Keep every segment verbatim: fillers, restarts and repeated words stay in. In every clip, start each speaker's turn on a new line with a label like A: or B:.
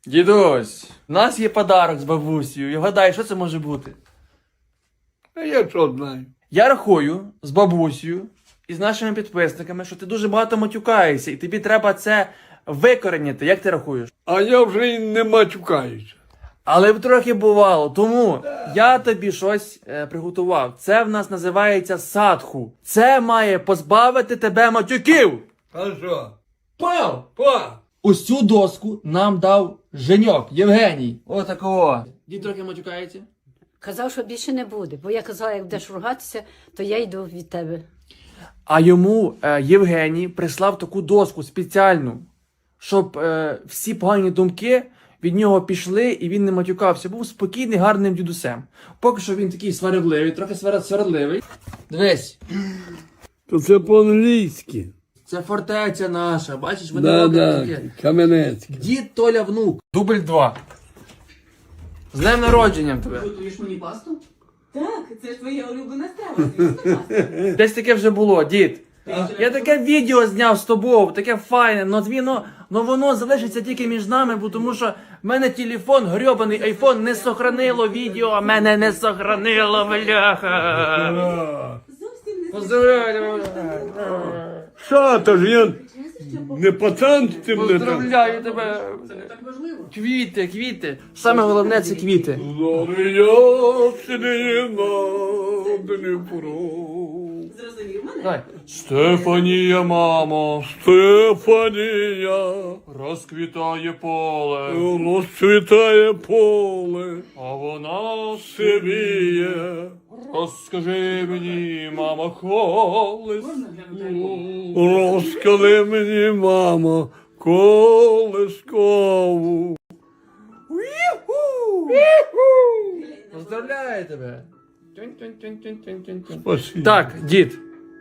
A: Дідусь, у нас є подарок з бабусею. І гадай, що це може бути?
B: А я що знаю?
A: Я рахую з бабусею і з нашими підписниками, що ти дуже багато матюкаєшся, і тобі треба це викоренити. Як ти рахуєш?
B: А я вже й не матюкаюся.
A: Але б трохи бувало, тому я тобі щось е, приготував. Це в нас називається садху. Це має позбавити тебе матюків.
B: А що?
A: Пав!
B: Па!
A: Ось цю доску нам дав Женьок, Євгеній. Отакого. Дід трохи матюкається.
C: Казав, що більше не буде, бо я казала, як будеш ругатися, то я йду від тебе.
A: А йому е, Євгеній прислав таку доску спеціальну, щоб е, всі погані думки від нього пішли і він не матюкався. Був спокійний, гарним дідусем. Поки що він такий сварливий, трохи сварливий. Дивись,
B: То це по-англійськи.
A: це фортеця наша, бачиш, вони
B: Да,
A: роблять
B: да,
A: таке.
B: Кам'янецьке.
A: Дід Толя внук. Дубль два. З днем народженням тебе.
D: Готуєш мені пасту? Так, це ж твоя улюблена страва, звісно, паста.
A: Десь таке вже було, дід. Я таке відео зняв з тобою, таке файне, но воно, но воно залишиться тільки між нами, бо тому що в мене телефон, грьобаний айфон, не сохранило відео, а мене не сохранило, бляха.
D: Зовсім не
A: Поздравляю,
B: Що, то ж я не пацан з цим не там.
A: поздравляю тебе.
D: Це не так важливо.
A: Квіти, квіти. Саме головне це квіти.
D: Зрозумів мене?
A: Давай. Стефанія, мамо,
B: Стефанія,
A: розквітає поле,
B: розцвітає поле,
A: а вона
B: сивіє.
A: розкажи мені, мама, колись.
D: Можна глянути альбом?
B: Розкажи мені, мамо, колискову.
A: Поздравляю тебе.
B: Спасибо.
A: Так, дід.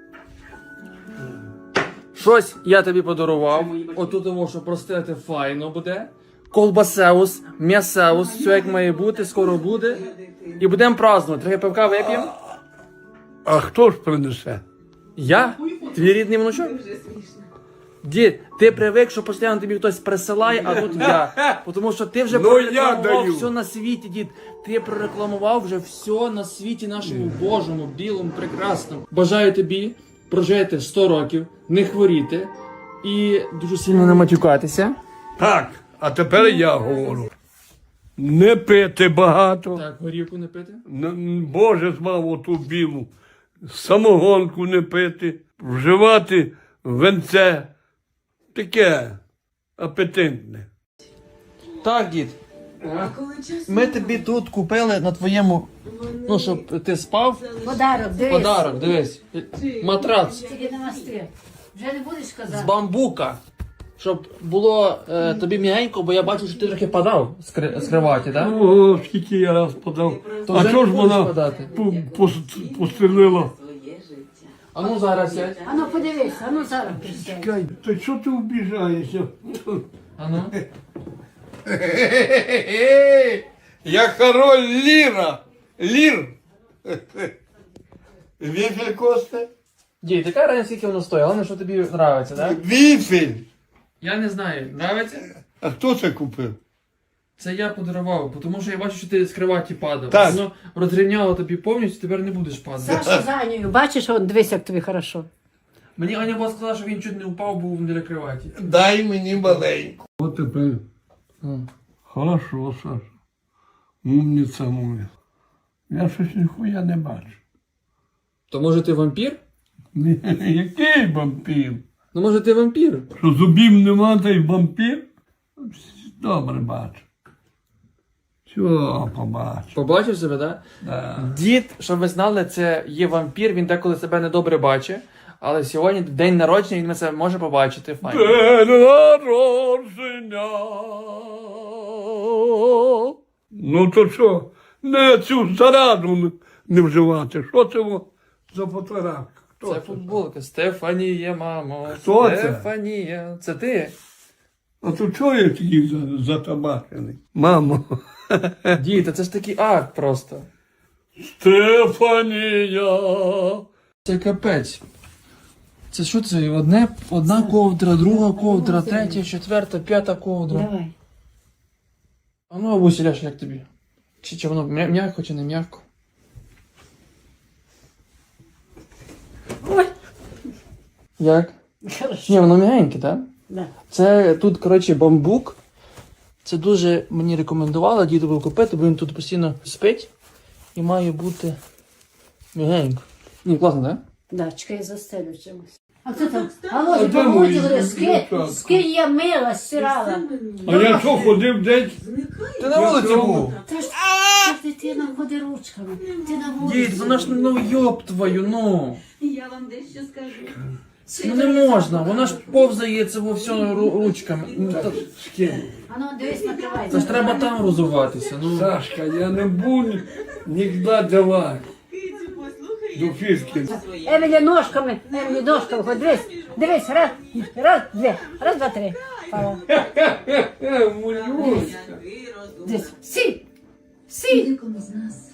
A: Щось я тобі подарував. Отут тому, що простити файно буде. Колбасеус, м'ясеус, все як має бути, скоро буде. І будемо празднувати. Трохи пивка вип'ємо.
B: А хто ж принесе?
A: Я? Твій рідний внучок?
D: Дуже смішно.
A: Дід, ти привик, що постійно тобі хтось присилає, а тут я. Тому що ти вже
B: Ну, я
A: прорекламував
B: даю.
A: все на світі, дід. Ти прорекламував вже все на світі нашому Божому, білому, прекрасному. Бажаю тобі прожити сто років, не хворіти і дуже сильно не матюкатися.
B: Так, а тепер я говорю. Не пити багато.
A: Так, горівку не пити.
B: Н- Боже змав оту білу. Самогонку не пити. Вживати венце. Таке апетитне.
A: Так, дід. Ми тобі тут купили на твоєму, ну, щоб ти спав.
C: Подарок, дивись.
A: Подарок, дивись. Матрац.
C: Тільки не мастри. Вже не будеш
A: З
C: казати.
A: бамбука. Щоб було е, тобі м'ягенько, бо я бачу, що ти трохи падав з, кри- з криваті, так?
B: О, скільки я раз подав.
A: То
B: А
A: вже
B: чого
A: не
B: ж
A: будеш
B: вона
A: подати?
B: пу- пос- пострілила?
D: Своє життя.
A: А ну зараз сядь.
C: А ну подивись, а ну зараз присядь.
B: Кай, та що ти вбіжаєшся?
A: А ну.
B: Я король Ліра. Лір. Віфель Косте?
A: Дій, така разниця, скільки воно стоїть, головне, що тобі подобається, так?
B: Віфель.
A: Я не знаю, подобається?
B: А хто це купив?
A: Це я подарував, тому що я бачу, що ти з криваті падав.
B: Так.
A: Воно розрівняло тобі повністю, тепер не будеш падати.
C: Саша за Анею, бачиш, он, дивись, як тобі хорошо.
A: Мені Аня була сказала, що він чуть не впав, був біля криваті.
B: Дай мені маленьку. От тепер.
A: Ну.
B: Хорошо, Саша. Умниця моя. Я щось ніхуя не бачу.
A: То може ти вампір?
B: Ні, який вампір?
A: Ну може ти вампір?
B: Що зубів нема, та й вампір? Добре бачу. Що побачу?
A: Побачив себе, так?
B: Да.
A: Дід, щоб ви знали, це є вампір, він деколи себе недобре бачить. Але сьогодні день народження, він це може побачити. Файно.
B: День народження. Ну то що? Не цю зараду не вживати. Що це во за фотографія? Хто
A: Це футболка. Стефанія, мамо.
B: Хто це?
A: Стефанія. Це ти?
B: А то чого я такий за- затабачений? Мамо.
A: Дід, та це ж такий акт просто.
B: Стефанія.
A: Це капець. Це що це? Одне, одна ковдра, друга ковдра, третя, четверта, п'ята ковдра.
C: Давай.
A: Ну, бабуся, Ляш, як тобі? Чи, чи воно м'я- м'яко, чи не м'яко?
C: Ой,
A: Як?
C: хорошо.
A: Ні, воно м'ягеньке, так?
C: Да.
A: Це тут, коротше, бамбук. Це дуже мені рекомендували дідову купити, бо він тут постійно спить і має бути м'ягенько. Ні, класно, так?
C: Да, чекай, я застелю чимось. А хто там?
B: А
C: Алло,
B: де мої
C: помогли, скинь,
B: дівчатка?
C: скинь я мила, стирала.
B: А я що ходив десь?
A: Ти на вулиці був.
C: Та ж та ж дитина ходить ручками. Ти на вулиці.
A: Дід, вона ж, ну йоб твою, ну.
D: Я вам дещо скажу.
A: Ну не можна, вона ж повзає це во все ру- ручками. Ну, та-
C: А ну, дивись, накривай.
A: Це ж треба там розуватися. Ну.
B: Сашка, я не буду ніколи давати
D: Кицю, послухай.
B: до фішки.
C: Емілі ножками, Емілі ножками, хоч дивись, дивись, раз, раз, дві, раз, два, три. Пала.
B: Е, мулюшка.
D: Який розум.
C: Дивись, сі, сі.
E: Нікому з нас